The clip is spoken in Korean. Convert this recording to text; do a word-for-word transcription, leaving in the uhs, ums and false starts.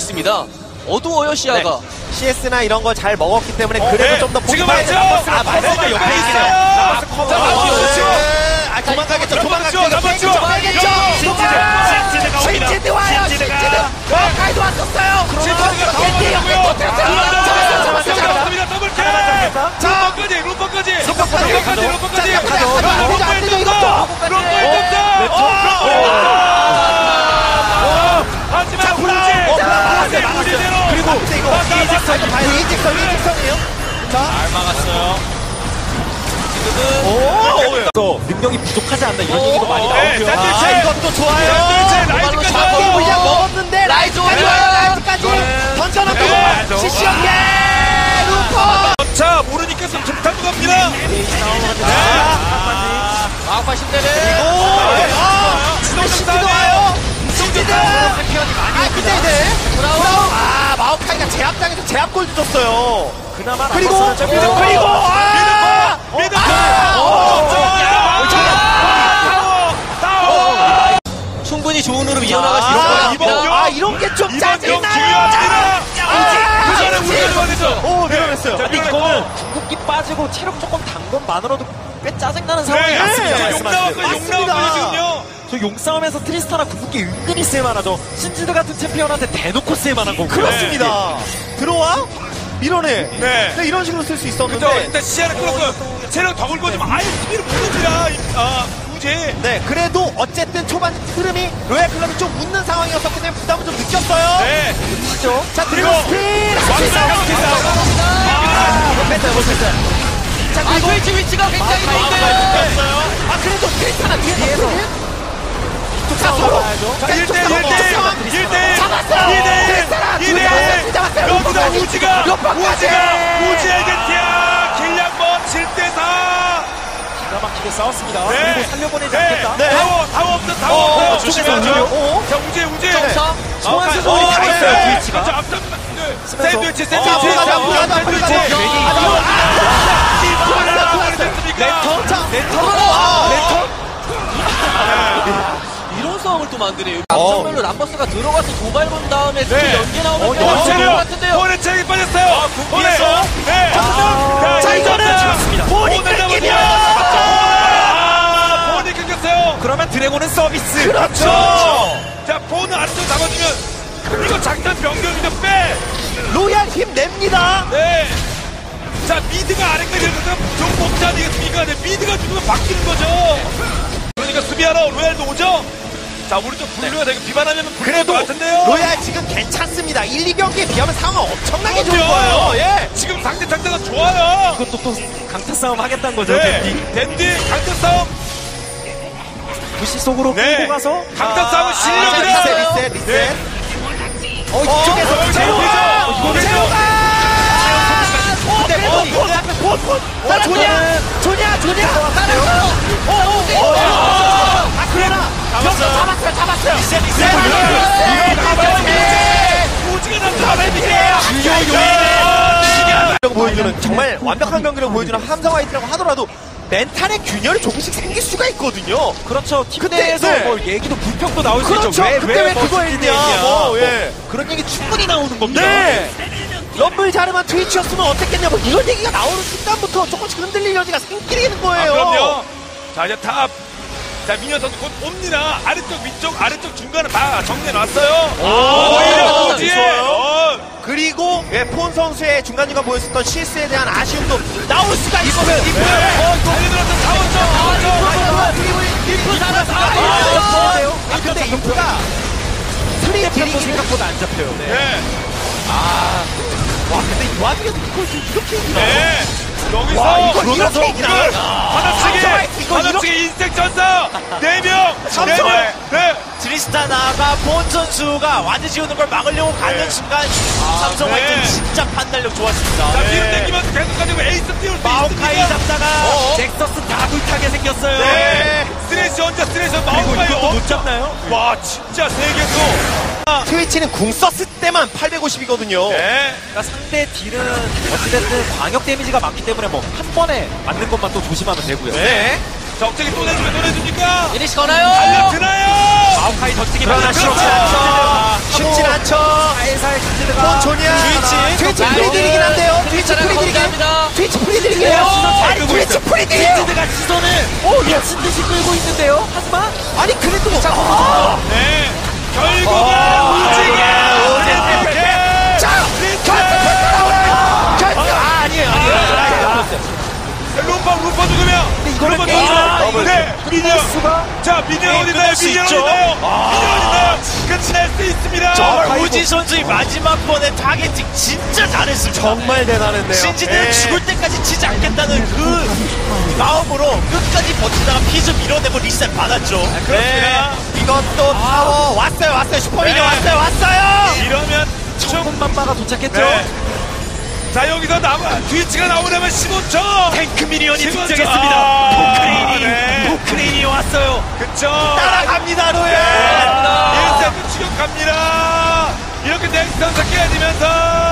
있습니다. 어두워요 시야가. 네. 씨에스나 이런 거 잘 먹었기 때문에 어, 그래도 네. 좀 더 지금 포기해야 맞죠? 돼. 아, 맞습니다. 옆에 있네요. 자, 커버. 맞죠? 아, 도망가겠죠. 도망가겠죠. 남았죠? 도망가겠죠. 신지드가 옵니다. 신지드 와요. 신지드. 와카이도 왔었어요. 신지드가 당황하고요. 잡았어요. 잡았습니다. 더블킬. 자, 루퍼까지, 루퍼까지. 루퍼까지. 루퍼까지, 루퍼까지. 자, 가죠. 루퍼 안 되죠, 일 이것도. 점. 루퍼 일 점. 하지만 우지. 우지대로. 그리고 이거 이직선 이직선 이직선이에요. 자, 잘 막았어요. 오, 또 능력이 부족하지 않나 이런 얘기도 많이 네, 나오고요. 샌드위치. 아, 이것도 좋아요. 샌드위치 라이즈까지 잡기 와요. 물량 먹었는데 라이즈까지 와요. 라이즈까지 던져놓고 네, 시시하게 루퍼. 자, 모르니까 좀 좋다고 갑니다. 마우파 신대를. 오, 시즈도 와요. 시즈드. 아, 근데 이제 브라운. 아, 마오카이가 제압당해서 제압골도 줬어요. 그나마 그리고 남았어요. 그리고 그리고 아, 미드. 충분히 좋은 흐름 이어나갈 수 있을 것 아, 같습니다. 이번 경- 아, 이런 게 좀 이번 경 짜증나요. 중요합니다. 아, 그 전에 우리가 좋아했죠. 오, 밀어냈어요. 자, 근데 이거는 궁극기 빠지고 체력 조금 단 것만으로도 꽤 짜증나는 상황이 네, 맞습니다. 용 나왔어요. 용 맞습니다. 나왔거든요. 저 용싸움에서 트리스타나 궁극기 은근히 쓸만하죠. 신지드 같은 챔피언한테 대놓고 쓸만한 거고요. 그렇습니다. 들어와 밀어내. 네. 네, 이런 식으로 쓸 수 그죠? 있었는데. 일단 시야를 끌었고요. 체력 더 굴고 좀 아예 스피를 못 옵니다. 아, 우지. 네, 그래도 어쨌든 초반 흐름이 로얄 클럽이 좀 웃는 상황이었었기 때문에 부담을 좀 느꼈어요. 네. 그렇죠. 자, 그리고 그리고 스피드. 완벽한 기사. 아, 이거 뺐어요, 못 뺐어요. 자, 아, 그리고 스위치 위치가 굉장히 좋은데요. 아, 그래도 트리스타나 뒤에서. 자, 서로. 자, 일 이쪽 대 일, 상황, 일 이쪽 대 상황. 일, 일 대 일. 잡았어요. 이 대 일. 트리스타나 이 둘 대 잡았어요, 일. 둘 잡았어요. 여기서 루퍼까지. 우지가, 루퍼까지. 우지가, 우지에게 티야. 길량번 칠 대 사. 기가 막히게 싸웠습니다. 네. 그리고 살려보내지 네. 않겠다. 네. 타워, 타워 없어, 타워 어, 없어. 어, 조심해야죠. 조심해야죠. 어. 자, 우지, 우지. 정상. 소환수 어, 소리 다 네. 있어요. 네. 트위치가. 그렇죠. 앞선, 네. 샌드위치, 자, 샌드위치. 앞으로 가자, 앞으로 가자, 앞으로 가자. 샌드위치. 아, 이거, 아, 랜턴? 자, 랜턴? 이런 상황을 또 만드네요. 어. 앞전면로 람버스가 들어가서 도발 본 다음에 또 네. 연계 나오면 어, 괜찮을 것 체력. 같은데요. 본의 체력이 빠졌어요. 본의. 네. 자, 이거는 잡았습니다. 본이 본을 끊기면. 아, 본이 끊겼어요. 그러면 드래곤은 서비스. 그렇죠. 자, 본을 안쪽 잡아주면 이거 장단 변경이죠. 빼. 로얄 힘냅니다. 네. 자, 미드가 아래까지 내려서 좀 먹지 아니겠습니까? 네, 미드가 죽으면 바뀌는 거죠. 그러니까 수비하러 로얄도 오죠? 자, 우리 좀 분류가 되게 비반하면 불릴 그래도 것 같은데요? 로얄 지금 괜찮습니다. 일, 이 경기에 비하면 상황 엄청나게 좋은 그럼요. 거예요. 예. 지금 상대 상대가 좋아요. 이것도 또 강타 싸움 하겠다는 거죠. 네. 댄디. 댄디 강타 싸움. 부시 속으로 네. 끌고 가서 강타 싸움은 아, 실력이다. 리셋, 리셋, 리셋. 네. 어, 이쪽에서 어, 제로가! 이거 되죠? 제로가! 근데 본, 본, 본, 본. 자, 조냐! 조냐, 조냐! 따라가요! 어, 어, 어, 어. 아, 그러나! 잡았어요. 잡았어요, 잡았어요. 리셋, 리셋. 우지가 나타나면 경기력을 보여주는 정말 완벽한 경기력을 보여주는 함성 화이트라고 하더라도 멘탈의 균열이 조금씩 생길 수가 있거든요. 그렇죠. 팀 그때, 내에서 네. 뭐 얘기도 불평도 나올 수 그렇죠. 있죠. 왜, 그때 왜 뭐 그거 스피드 했냐. 얘기야. 뭐, 예. 뭐 그런 얘기 충분히 나오는 겁니다. 네. 럼블 자르만 트위치였으면 어땠겠냐. 뭐 이런 얘기가 나오는 순간부터 조금씩 흔들릴 여지가 생기는 아, 거예요. 그럼요. 자, 이제 탑. 자, 미녀 선수 곧 옵니다. 아래쪽, 위쪽, 아래쪽, 중간을 다 정리해놨어요. 오히려 오, 우지에. 좋아요. 어. 그리고 예, 폰 선수의 중간중간 보였었던 실수에 대한 아쉬움도 나올 수가 있어요. 네. 어, 달려들어서 사원점, 사원점. 인프 살았어. 아, 근데 인프가 스리의 템포 딜이 생각보다 안 잡혀요. 네. 네. 와, 근데 이 와중에도 이걸 이렇게 이기나? 네. 여기서. 와, 이거 그러면서 이렇게 이기나? 이걸 함성 하나씩에, 화이트 이거 하나씩에 인생 전사. 네 명. 네 함성 명. 네. 트리스타나가 본 선수가 와드 지우는 걸 막으려고 가는 순간 삼성 네. 화이트는 진짜 판단력 좋았습니다. 자, 네. 뒤로 당기면서 계속 가지고 에이스 띄울 수 마오카이 있습니다. 잡다가 어. 잭서스 다 불타게 생겼어요. 네. 스트레스 혼자 스트레스 그리고 마오카이 이것도 못 엄청. 잡나요? 와, 진짜 세계도. 트위치는 궁 썼을 때만 팔백오십이거든요. 네. 그러니까 상대 딜은 어찌됐든 광역 데미지가 많기 때문에 뭐 한 번에 맞는 것만 또 조심하면 되고요. 네. 적적이 또 내주면 또 내줍니까? 이니시 거나요? 달려드나요? 마오카이 던지기 그러나 많았죠. 쉽진 않죠. 쉽진 않죠. 살살 트위치드가 어, 조냐. 트위치 트위치 자, 프리딜이긴 한데요. 트위치 차량 프리딜이긴. 감사합니다. 트위치 프리딜이에요. 아니 끌고 트위치 있어. 프리딜이에요. 트위치드가 시선을 오 미친 듯이 끌고 있는데요. 하지만 아니 그래도 네. 결국은 아, 우지게 네. 자, 결승 나와요. 결승. 아 아니에요 아니에요. 루파 루파 죽으면 이거는 루파 게임을 죽으면 더블. 네 미니언 수가 자 미니언 어디나요 끝날 수 미니언 있죠. 어디나요 미니언 어디나요 끝낼 수 있습니다 정말 우지 선수의 마지막 번에 타겟팅 진짜 잘했습니다. 정말 대단한데요. 신지대를 예. 죽을 때까지 치지 않겠다는 그 마음으로 끝까지 버티다가 피즈 밀어내고 리셋 받았죠. 그렇습니다 이것도 타워 왔어요 왔어요 슈퍼미니 네. 왔어요 왔어요. 이러면 천군만마가 도착했죠. 네. 자 여기서 나와 트위치가 나오려면 십오 초 탱크 미니언이 십오 초. 등장했습니다. 아, 포크레인이 네. 포크레인이 왔어요. 그쵸 따라갑니다 로에. 일 세트 추격합니다 이렇게 넥스턴 깨지면서